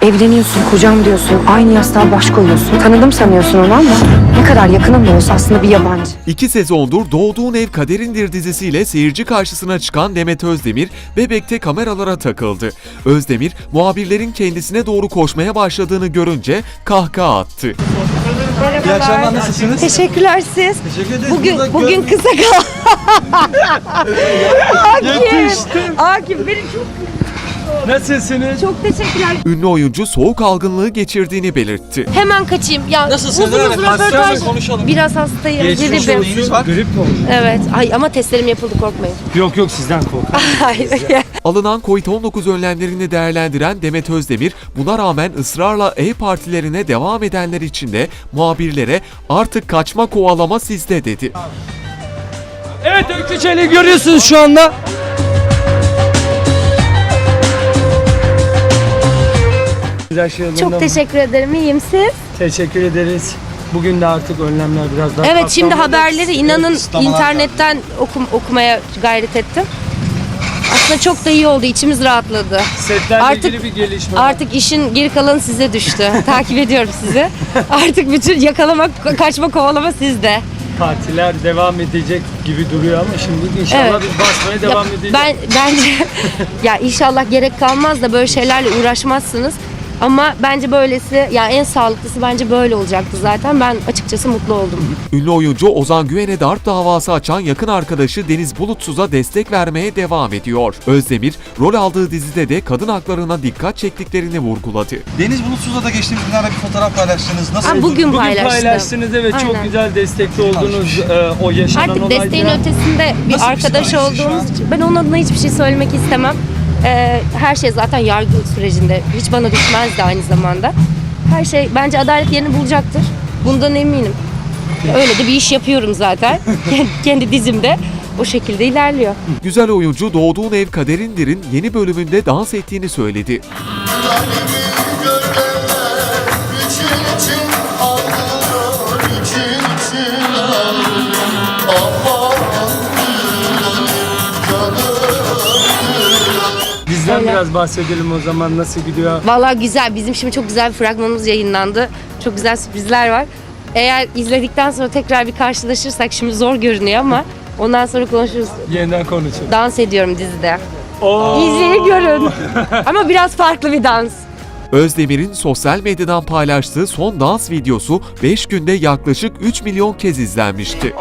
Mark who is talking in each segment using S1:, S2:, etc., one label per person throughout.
S1: Evleniyorsun, kocam diyorsun, aynı yastığa baş koyuyorsun. Tanıdım sanıyorsun onu ama ne kadar yakının da olsa aslında bir yabancı.
S2: 2 sezondur Doğduğun Ev Kaderindir dizisiyle seyirci karşısına çıkan Demet Özdemir, Bebek'te kameralara takıldı. Özdemir, muhabirlerin kendisine doğru koşmaya başladığını görünce kahkaha attı.
S3: İyi akşamlar, nasılsınız?
S1: Teşekkürler siz.
S3: Teşekkür ederiz.
S1: Bugün kısa kal.
S3: Yetiştim.
S1: Akif beni çok
S3: Nasılsınız?
S1: teşekkürler.
S2: Ünlü oyuncu soğuk algınlığı geçirdiğini belirtti.
S1: Hemen kaçayım. Ya
S3: Nasılsınız?
S1: uzun
S3: Evet,
S1: röportaj.
S3: hastanede konuşalım.
S1: Biraz hastayım.
S3: Geçmiş
S1: Gribim.
S3: olsun. Var. Grip mi oldu?
S1: Evet. Ay ama testlerim yapıldı, korkmayın.
S3: Yok sizden korkar.
S1: Hayır.
S2: Alınan Covid-19 önlemlerini değerlendiren Demet Özdemir, buna rağmen ısrarla ev partilerine devam edenler için de muhabirlere artık kaçma kovalama sizde dedi.
S3: Evet, Öykü Çelik'i görüyorsunuz şu anda.
S1: Çok teşekkür ederim. İyiyim siz?
S3: Teşekkür ederiz. Bugün de artık önlemler biraz daha
S1: Evet, şimdi
S3: kapsamlı.
S1: haberleri inanın
S3: kısıtlamalar
S1: internetten okumaya gayret ettim. Aslında çok da iyi oldu. İçimiz rahatladı.
S3: Setlerle
S1: Artık-
S3: ilgili bir gelişme var.
S1: Artık işin geri kalanı size düştü. Takip ediyorum sizi. Artık bütün yakalamak, kaçma, kovalama sizde.
S3: Partiler devam edecek gibi duruyor ama şimdi inşallah
S1: Evet.
S3: biz basmaya devam edeceğiz.
S1: Bence ya inşallah gerek kalmaz da böyle şeylerle uğraşmazsınız. Ama bence böylesi, ya en sağlıklısı bence böyle olacaktı zaten. Ben açıkçası mutlu oldum.
S2: Ünlü oyuncu Ozan Güven'e darp davası açan yakın arkadaşı Deniz Bulutsuz'a destek vermeye devam ediyor. Özdemir, rol aldığı dizide de kadın haklarına dikkat çektiklerini vurguladı.
S4: Deniz Bulutsuz'la da geçtiğimiz günlerde bir fotoğraf paylaştınız. Nasıl?
S1: Ha, bugün paylaştım.
S3: paylaştınız, evet, çok
S1: Aynen.
S3: güzel destekli oldunuz o yaşanan
S1: Artık
S3: olaylara.
S1: desteğin ötesinde bir
S4: Nasıl bir
S1: arkadaş
S4: psikolojisi şu
S1: olduğumuz
S4: an?
S1: için ben onun adına hiçbir şey söylemek istemem. Her şey zaten yargı sürecinde. Hiç bana düşmezdi aynı zamanda. Her şey bence adalet yerini bulacaktır. Bundan eminim. Öyle de bir iş yapıyorum zaten. Kendi dizimde. O şekilde ilerliyor.
S2: Güzel oyuncu Doğduğun Ev Kaderindir'in yeni bölümünde dans ettiğini söyledi.
S3: Bizden
S1: Öyle.
S3: biraz bahsedelim o zaman, nasıl gidiyor?
S1: Vallahi güzel. Bizim şimdi çok güzel bir fragmanımız yayınlandı. Çok güzel sürprizler var. Eğer izledikten sonra tekrar bir karşılaşırsak, şimdi zor görünüyor ama ondan sonra konuşuruz.
S3: Yeniden konuşalım.
S1: Dans ediyorum dizide.
S3: Oo.
S1: İzleyin görün. Ama biraz farklı bir dans.
S2: Özdemir'in sosyal medyadan paylaştığı son dans videosu 5 günde yaklaşık 3 milyon kez izlenmişti.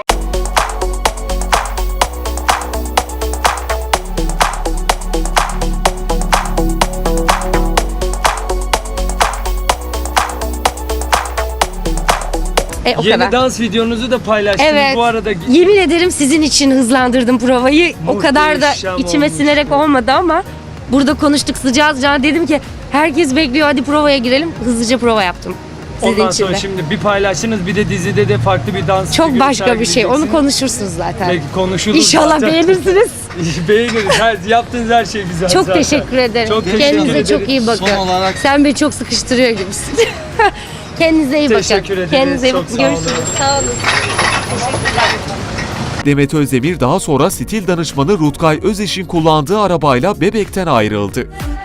S1: O
S3: Yeni
S1: kadar.
S3: dans videonuzu da paylaştınız
S1: Evet.
S3: bu arada.
S1: Yemin ederim sizin için hızlandırdım provayı. O kadar da
S3: Muhteşem
S1: içime
S3: olmuş.
S1: sinerek olmadı ama burada konuştuk sıcağı sıcağına, dedim ki herkes bekliyor, hadi provaya girelim. Hızlıca prova yaptım. Sizin
S3: Ondan
S1: için
S3: sonra
S1: de.
S3: şimdi bir paylaştınız, bir de dizide de farklı bir dans
S1: Çok
S3: figürü
S1: başka bir şey. Onu
S3: sergileyeceksiniz.
S1: konuşursunuz zaten.
S3: Peki, konuşuruz
S1: İnşallah
S3: zaten.
S1: beğenirsiniz.
S3: Beğeniriz. Yaptığınız her şey güzel
S1: Çok
S3: zaten.
S1: teşekkür ederim.
S3: Çok teşekkür
S1: Kendinize
S3: ederim.
S1: çok iyi bakın.
S4: Son olarak-
S1: Sen beni çok sıkıştırıyor gibisin. Kendinize iyi bakın.
S3: Teşekkür ederiz.
S1: Kendinize iyi
S3: Çok
S1: bakın.
S3: sağ olun.
S1: Görüşürüz. Sağ olun.
S2: Demet Özdemir daha sonra stil danışmanı Rutkay Özeş'in kullandığı arabayla Bebek'ten ayrıldı.